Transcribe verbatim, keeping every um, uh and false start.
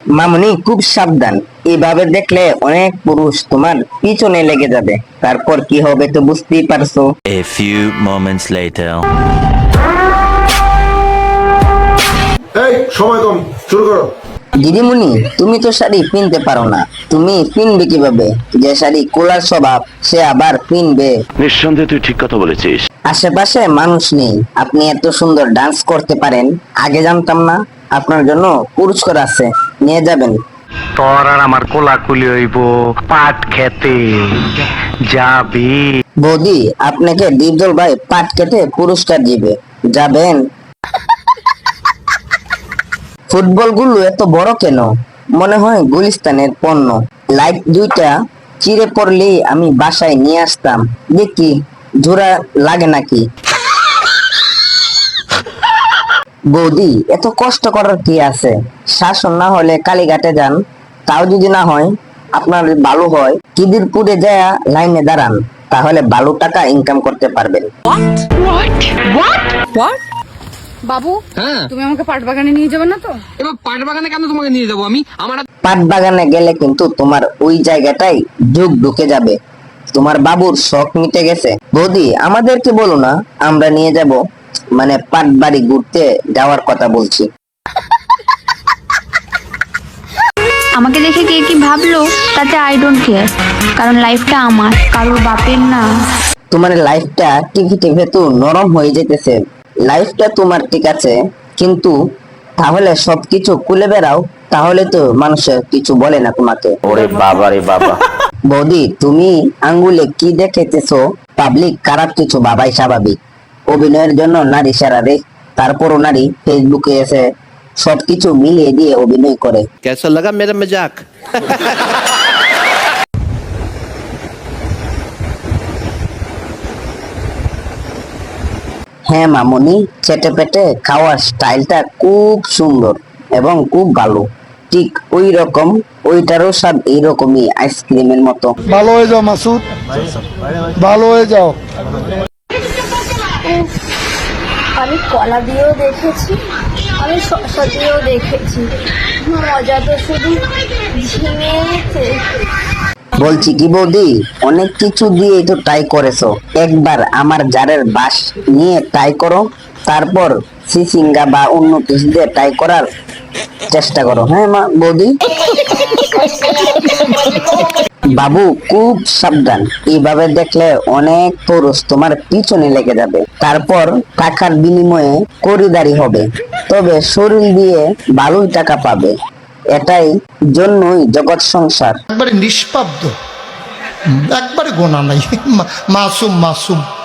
মামুনি খুব সাবধান, এভাবে দেখলে অনেক পুরুষ তোমার পিছনে লেগে যাবে, তারপর কি হবে তো বুঝতেই পারছো। A few moments later. এই সময় কম, শুরু করো। দিদিমণি তুমি তো শাড়ি কিনতে পারো না, তুমি কিনবে কিভাবে? যে শাড়ি কোলার স্বভাব সে আবার কিনবে? নিঃসন্দেহে তুই ঠিক কথা বলেছিস। আশেপাশে মানুষ নেই, আপনি এত সুন্দর ডান্স করতে পারেন, আগে জানতাম না। আপনার জন্য পুরস্কার আছে, নিয়ে যাবেন। তোর আর আমার কোলাকুলি হইব পাট খেতে যাবি। বৌদি আপনাকে ডিপজল ভাই পাট কেটে পুরস্কার দিবে, যাবেন? ফুটবল গুলো এত বড় কেন? মনে হয় গুলিস্তানের পণ্য। লাইট দুইটা চিড়ে পড়লেই আমি বাসায় নিয়ে আসতাম, দেখি জোড়া লাগে নাকি। বৌদি এত কষ্ট করার কি আছে? শাসন না হলে কালীঘাটে যান, তাও যদি না হয় আপনার ভালো হয় কিদিরপুরে যায় লাইনে দাঁড়ান, তাহলে ভালো টাকা ইনকাম করতে পারবেন। বাবু, তুমি আমাকে পাট বাগানে নিয়ে যাবে না তো? এবার পাট বাগানে কেন তোমাকে নিয়ে যাবো আমি? আমার পাট বাগানে গেলে কিন্তু তোমার ওই জায়গাটাই ঢুক ঢুকে যাবে, তোমার বাবুর শখ মিটে গেছে। বৌদি আমাদেরকে বলো না, আমরা নিয়ে যাব, মানে পাট বাড়ি ঘুরতে যাওয়ার কথা বলছি। আমাকে দেখে কে কি ভাবলো তাতে আই ডোন্ট কেয়ার, কারণ লাইফটা আমার, কারোর বাপের না। তোমার লাইফটা টিভি টিভি তো নরম হয়ে যেতেছে, লাইফটা তোমার ঠিক আছে, কিন্তু তাহলে সবকিছু খুলে বেড়াও, তাহলে তো মানুষ কিছু বলে না তোমাকে। ওরে বাবা রে বাবা। বৌদি তুমি আঙ্গুলে কি দেখেতেছো? পাবলিক খারাপ কিছু বাবাই স্বাভাবিক। অভিনয়ের জন্য নারী সারা রে, তারপরও নারী ফেসবুকে এসে সবকিছু মিলিয়ে দিয়ে অভিনয় করে। कैसा लगा मेरा मजाक? হ্যাঁ মামুনি, চেটে পেটে খাওয়ার স্টাইলটা খুব সুন্দর এবং খুব ভালো, ঠিক ওই রকম, ওইটারও স্বাদ এইরকমই আইসক্রিমের মতো। ভালো হয়ে যাও মাসুদ, ভালো হয়ে যাও। আমি কলা দিয়েও দেখেছি, আমি শসা দিয়েও দেখেছি, মজা তো শুধু ঝিঙেতে। বলছি কি বৌদি, অনেক কিছু দিয়ে তো ট্রাই করেছো, একবার আমার জারের বাস নিয়ে ট্রাই করো, তারপর সিসিঙ্গা বা অন্য কিছু দিয়ে ট্রাই করার চেষ্টা করো। হ্যাঁ মা বৌদি। বাবু খুব সাবধান, এইভাবে দেখলে অনেক পুরুষ তোমার পিছনে লেগে যাবে, তারপর টাকার বিনিময়ে খরিদারি হবে, তবে শরীর দিয়ে ভালোই টাকা পাবে, এটাই জন্যই জগৎ সংসার। একবারে নিষ্পাব্দ, একবারে গোনা নাই, মাসুম মাসুম।